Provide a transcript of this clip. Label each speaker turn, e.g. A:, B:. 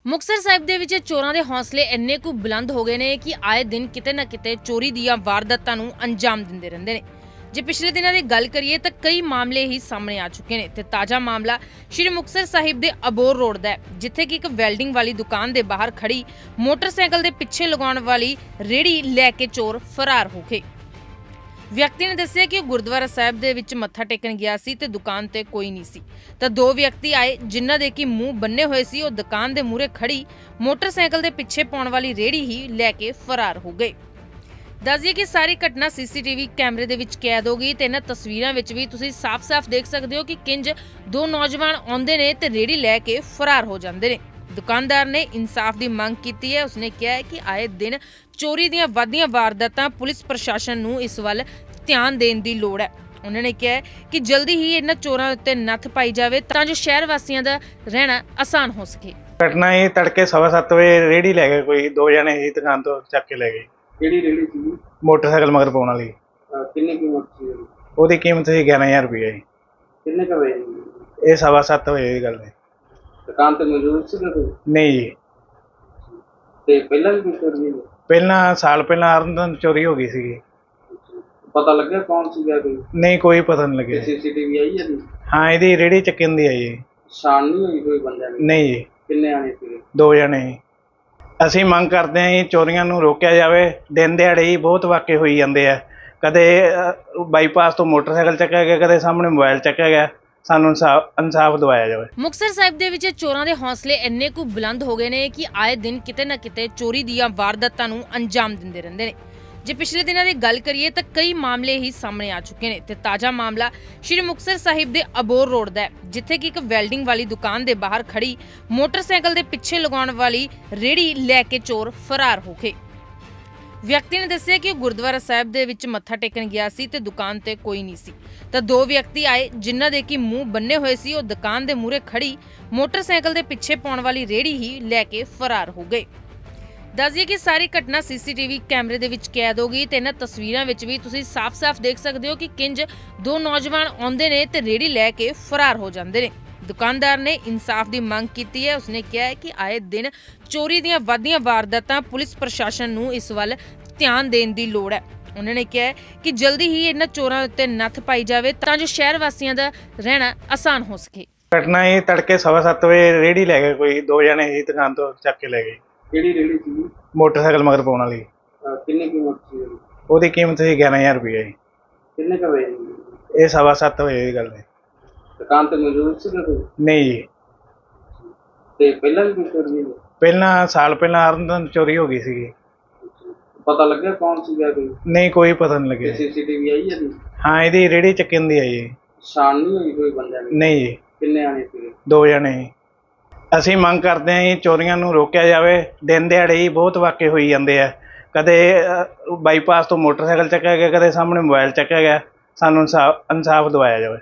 A: ਮੁਕਤਸਰ ਸਾਹਿਬ ਦੇ ਵਿੱਚ ਚੋਰਾਂ ਦੇ ਹੌਸਲੇ ਇੰਨੇ ਕੁ ਬੁਲੰਦ ਹੋ ਗਏ ਨੇ ਕਿ ਆਏ ਦਿਨ ਕਿਤੇ ਨਾ ਕਿਤੇ ਚੋਰੀ ਦੀਆਂ ਵਾਰਦਾਤਾਂ ਨੂੰ ਅੰਜਾਮ ਦਿੰਦੇ ਰਹਿੰਦੇ ਨੇ। ਜੇ ਪਿਛਲੇ ਦਿਨਾਂ ਦੀ ਗੱਲ ਕਰੀਏ ਤਾਂ ਕਈ ਮਾਮਲੇ ਹੀ ਸਾਹਮਣੇ ਆ ਚੁੱਕੇ ਨੇ ਤੇ ਤਾਜ਼ਾ ਮਾਮਲਾ ਸ਼੍ਰੀ ਮੁਕਤਸਰ ਸਾਹਿਬ ਦੇ ਅਬੋਰ ਰੋਡ ਦਾ ਹੈ, ਜਿੱਥੇ ਕਿ ਇੱਕ ਵੈਲਡਿੰਗ ਵਾਲੀ ਦੁਕਾਨ ਦੇ ਬਾਹਰ ਖੜੀ ਮੋਟਰਸਾਈਕਲ ਦੇ ਪਿੱਛੇ ਲਗਾਉਣ ਵਾਲੀ ਰੇੜੀ ਲੈ ਕੇ ਚੋਰ ਫਰਾਰ ਹੋ ਗਏ। ਵਿਅਕਤੀ ਨੇ ਦੱਸਿਆ ਕਿ ਉਹ ਗੁਰਦੁਆਰਾ ਸਾਹਿਬ ਦੇ ਵਿੱਚ ਮੱਥਾ ਟੇਕਣ ਗਿਆ ਸੀ ਤੇ ਦੁਕਾਨ ਤੇ ਕੋਈ ਨਹੀਂ ਸੀ ਤਾਂ ਦੋ ਵਿਅਕਤੀ ਆਏ ਜਿਨ੍ਹਾਂ ਦੇ ਕਿ ਮੂੰਹ ਬੰਨੇ ਹੋਏ ਸੀ। ਉਹ ਦੁਕਾਨ ਦੇ ਮੂਹਰੇ ਖੜੀ ਮੋਟਰਸਾਈਕਲ ਦੇ ਪਿੱਛੇ ਪਾਉਣ ਵਾਲੀ ਰੇੜੀ ਹੀ ਲੈ ਕੇ ਫਰਾਰ ਹੋ ਗਏ। ਦੱਸਦੀਏ ਕਿ ਸਾਰੀ ਘਟਨਾ ਸੀਸੀਟੀਵੀ ਕੈਮਰੇ ਦੇ ਵਿੱਚ ਕੈਦ ਹੋ ਗਈ ਤੇ ਇਹਨਾਂ ਤਸਵੀਰਾਂ ਵਿੱਚ ਵੀ ਤੁਸੀਂ ਸਾਫ਼-ਸਾਫ਼ ਦੇਖ ਸਕਦੇ ਹੋ ਕਿ ਕਿੰਜ ਦੋ ਨੌਜਵਾਨ ਆਉਂਦੇ ਨੇ ਤੇ ਰੇੜੀ ਲੈ ਕੇ ਫਰਾਰ ਹੋ ਜਾਂਦੇ ਨੇ। ਦੁਕਾਨਦਾਰ ਨੇ ਇਨਸਾਫ ਦੀ ਮੰਗ ਕੀਤੀ ਹੈ। ਉਸਨੇ ਕਿਹਾ ਹੈ ਕਿ ਆਏ ਦਿਨ ਚੋਰੀ ਦੀਆਂ ਵੱਧਦੀਆਂ ਵਾਰਦਾਤਾਂ ਪੁਲਿਸ ਪ੍ਰਸ਼ਾਸਨ ਨੂੰ ਇਸ ਵੱਲ ਧਿਆਨ ਦੇਣ ਦੀ ਲੋੜ ਹੈ। ਉਹਨਾਂ ਨੇ ਕਿਹਾ ਕਿ ਜਲਦੀ ਹੀ ਇਹਨਾਂ ਚੋਰਾਂ ਉੱਤੇ ਨੱਥ ਪਾਈ ਜਾਵੇ ਤਾਂ ਜੋ ਸ਼ਹਿਰ ਵਾਸੀਆਂ ਦਾ ਰਹਿਣਾ ਆਸਾਨ ਹੋ ਸਕੇ।
B: ਘਟਨਾ ਇਹ ਤੜਕੇ 7:15 ਵਜੇ ਰੇੜੀ ਲੈ ਗਏ, ਕੋਈ ਦੋ ਜਣੇ ਹੀ ਦੁਕਾਨ ਤੋਂ ਚੱਕ ਕੇ ਲੈ ਗਏ।
C: ਕਿਹੜੀ ਰੇੜੀ ਸੀ?
B: ਮੋਟਰਸਾਈਕਲ ਮਗਰ ਪਾਉਣ ਵਾਲੀ।
C: ਕਿੰਨੀ ਕੀਮਤ ਸੀ ਉਹਦੀ?
B: ਉਹਦੀ ਕੀਮਤ ਸੀ 11,000 ਰੁਪਏ ਜੀ।
C: ਕਿੰਨੇ ਕ ਵਜੇ?
B: ਇਹ 7:15 ਵਜੇ ਦੀ ਗੱਲ ਹੈ।
C: ਦੁਕਾਨ ਤੇ ਮੌਜੂਦ ਸੀ ਕੋਈ?
B: ਨਹੀਂ ਜੀ,
C: ਤੇ ਪਹਿਲਾਂ ਵੀ ਕੋਈ ਚੋਰੀ ਹੋਈ?
B: ਪਹਿਲਾਂ ਸਾਲ ਪਹਿਲਾਂ ਅਰਨਦਨ ਚੋਰੀ ਹੋ ਗਈ ਸੀਗੀ।
C: ਪਤਾ ਲੱਗਿਆ ਕੌਣ ਸੀਗਾ ਕੋਈ?
B: ਨਹੀਂ, ਕੋਈ ਪਤਾ ਨਹੀਂ ਲੱਗਿਆ।
C: ਸੀਸੀਟੀਵੀ ਆਈ ਹੈ ਜੀ?
B: ਹਾਂ, ਇਹਦੀ ਰੇੜੀ ਚੱਕਣ ਦੀ ਆਈ ਜੀ।
C: ਸ਼ਾਨ ਨਹੀਂ ਹੋਈ ਕੋਈ ਬੰਦਿਆਂ ਦੀ?
B: ਨਹੀਂ ਜੀ,
C: ਕਿੰਨੇ ਆਣੇ ਸੀਗੇ?
B: ਦੋ ਜਣੇ ਹੀ। ਅਸੀਂ ਮੰਗ ਕਰਦੇ ਹਾਂ ਜੀ ਚੋਰੀਆਂ ਨੂੰ ਰੋਕਿਆ ਜਾਵੇ। ਦਿਨ ਦਿਹਾੜੇ ਹੀ ਬਹੁਤ ਵਾਕੇ ਹੋਈ ਜਾਂਦੇ ਆ। ਕਦੇ ਬਾਈਪਾਸ ਤੋਂ ਮੋਟਰਸਾਈਕਲ ਚੱਕਿਆ ਗਿਆ, ਕਦੇ ਸਾਹਮਣੇ ਮੋਬਾਈਲ ਚੱਕਿਆ ਗਿਆ। ਸਾਨੂੰ ਇਨਸਾਫ ਦਿਵਾਇਆ ਜਾਵੇ।
A: ਮੁਕਤਸਰ ਸਾਹਿਬ ਦੇ ਵਿੱਚ ਚੋਰਾਂ ਦੇ ਹੌਸਲੇ ਇੰਨੇ ਕੁ ਬੁਲੰਦ ਹੋ ਗਏ ਨੇ ਕਿ ਆਏ ਦਿਨ ਕਿਤੇ ਨਾ ਕਿਤੇ ਚੋਰੀ ਦੀਆਂ ਵਾਰਦਾਤਾਂ ਨੂੰ ਅੰਜਾਮ ਦਿੰਦੇ ਰਹਿੰਦੇ ਨੇ। ਜੇ ਪਿਛਲੇ ਦਿਨਾਂ ਦੀ ਗੱਲ ਕਰੀਏ ਤਾਂ ਕਈ ਮਾਮਲੇ ਹੀ ਸਾਹਮਣੇ ਆ ਚੁੱਕੇ ਨੇ ਤੇ ਤਾਜ਼ਾ ਮਾਮਲਾ ਸ਼੍ਰੀ ਮੁਕਤਸਰ ਸਾਹਿਬ ਦੇ ਅਬੋਰ ਰੋਡ ਦਾ ਹੈ, ਜਿੱਥੇ ਕਿ ਇੱਕ ਵੈਲਡਿੰਗ ਵਾਲੀ ਦੁਕਾਨ ਦੇ ਬਾਹਰ ਖੜੀ ਮੋਟਰਸਾਈਕਲ ਦੇ ਪਿੱਛੇ ਲਗਾਉਣ ਵਾਲੀ ਰੇੜੀ ਲੈ ਕੇ ਚੋਰ ਫਰਾਰ ਹੋ ਗਏ। ਵਿਅਕਤੀ ਨੇ ਦੱਸਿਆ ਕਿ ਉਹ ਗੁਰਦੁਆਰਾ ਸਾਹਿਬ ਦੇ ਵਿੱਚ ਮੱਥਾ ਟੇਕਣ ਗਿਆ ਸੀ ਤੇ ਦੁਕਾਨ ਤੇ ਕੋਈ ਨਹੀਂ ਸੀ ਤਾਂ ਦੋ ਵਿਅਕਤੀ ਆਏ ਜਿਨ੍ਹਾਂ ਦੇ ਕਿ ਮੂੰਹ ਬੰਨੇ ਹੋਏ ਸੀ। ਉਹ ਦੁਕਾਨ ਦੇ ਮੂਹਰੇ ਖੜੀ ਮੋਟਰਸਾਈਕਲ ਦੇ ਪਿੱਛੇ ਪਾਉਣ ਵਾਲੀ ਰੇੜੀ ਹੀ ਲੈ ਕੇ ਫਰਾਰ ਹੋ ਗਏ। ਦੱਸਦੀਏ ਕਿ ਸਾਰੀ ਘਟਨਾ ਸੀਸੀਟੀਵੀ ਕੈਮਰੇ ਦੇ ਵਿੱਚ ਕੈਦ ਹੋ ਗਈ ਤੇ ਇਹਨਾਂ ਤਸਵੀਰਾਂ ਵਿੱਚ ਵੀ ਤੁਸੀਂ ਸਾਫ਼-ਸਾਫ਼ ਦੇਖ ਸਕਦੇ ਹੋ ਕਿ ਕਿੰਜ ਦੋ ਨੌਜਵਾਨ ਆਉਂਦੇ ਨੇ ਤੇ ਰੇੜੀ ਲੈ ਕੇ ਫਰਾਰ ਹੋ ਜਾਂਦੇ ਨੇ। ਦੁਕਾਨਦਾਰ ਨੇ ਇਨਸਾਫ ਦੀ ਮੰਗ ਕੀਤੀ ਹੈ। ਉਸਨੇ ਕਿਹਾ ਹੈ ਕਿ ਆਏ ਦਿਨ ਚੋਰੀ ਦੀਆਂ ਵੱਧਦੀਆਂ ਵਾਰਦਾਤਾਂ ਪੁਲਿਸ ਪ੍ਰਸ਼ਾਸਨ ਨੂੰ ਇਸ ਵੱਲ ਧਿਆਨ ਦੇਣ ਦੀ ਲੋੜ ਹੈ। ਉਹਨਾਂ ਨੇ ਕਿਹਾ ਕਿ ਜਲਦੀ ਹੀ ਇਹਨਾਂ ਚੋਰਾਂ ਉੱਤੇ ਨੱਥ ਪਾਈ ਜਾਵੇ ਤਾਂ ਜੋ ਸ਼ਹਿਰ ਵਾਸੀਆਂ ਦਾ ਰਹਿਣਾ ਆਸਾਨ ਹੋ ਸਕੇ।
B: ਘਟਨਾ ਇਹ ਤੜਕੇ 7:15 ਵਜੇ ਰੇੜੀ ਲੈ ਗਏ, ਕੋਈ ਦੋ ਜਣੇ ਹੀ ਦੁਕਾਨ ਤੋਂ ਚੱਕ ਕੇ ਲੈ ਗਏ।
C: ਕਿਹੜੀ ਰੇੜੀ ਸੀ?
B: ਮੋਟਰਸਾਈਕਲ ਮਗਰ ਪਾਉਣ ਵਾਲੀ।
C: ਕਿੰਨੀ ਕੀਮਤ ਸੀ ਉਹਦੀ?
B: ਉਹਦੀ ਕੀਮਤ ਸੀ 11,000 ਰੁਪਏ ਜੀ।
C: ਕਿੰਨੇ ਕ ਵਜੇ?
B: ਇਹ 7:15 ਵਜੇ ਦੀ ਗੱਲ ਹੈ।
C: ਦੁਕਾਨ ਤੇ ਮੌਜੂਦ ਸੀ ਕੋਈ?
B: ਨਹੀਂ ਜੀ,
C: ਤੇ ਪਹਿਲਾਂ ਵੀ ਕੋਈ ਚੋਰੀ ਹੋਈ?
B: ਪਹਿਲਾਂ ਸਾਲ ਪਹਿਲਾਂ ਅਰਨਦਨ ਚੋਰੀ ਹੋ ਗਈ ਸੀਗੀ।
C: ਪਤਾ ਲੱਗਿਆ ਕੌਣ ਸੀਗਾ ਕੋਈ?
B: ਨਹੀਂ, ਕੋਈ ਪਤਾ ਨਹੀਂ ਲੱਗਿਆ।
C: ਸੀਸੀਟੀਵੀ ਆਈ ਹੈ ਜੀ?
B: ਹਾਂ, ਇਹਦੀ ਰੇੜੀ ਚੱਕਣ ਦੀ ਆਈ ਜੀ।
C: ਸ਼ਾਨ ਨਹੀਂ ਹੋਈ ਕੋਈ ਬੰਦਿਆਂ ਦੀ?
B: ਨਹੀਂ ਜੀ,
C: ਕਿੰਨੇ ਆਣੇ ਸੀਗੇ?
B: ਦੋ ਜਣੇ ਹੀ। ਅਸੀਂ ਮੰਗ ਕਰਦੇ ਹਾਂ ਜੀ ਚੋਰੀਆਂ ਨੂੰ ਰੋਕਿਆ ਜਾਵੇ। ਦਿਨ ਦਿਹਾੜੇ ਹੀ ਬਹੁਤ ਵਾਕੇ ਹੋਈ ਜਾਂਦੇ ਆ। ਕਦੇ ਬਾਈਪਾਸ ਤੋਂ ਮੋਟਰਸਾਈਕਲ ਚੱਕਿਆ ਗਿਆ, ਕਦੇ ਸਾਹਮਣੇ ਮੋਬਾਈਲ ਚੱਕਿਆ ਗਿਆ। ਸਾਨੂੰ ਇਨਸਾਫ ਦਿਵਾਇਆ ਜਾਵੇ।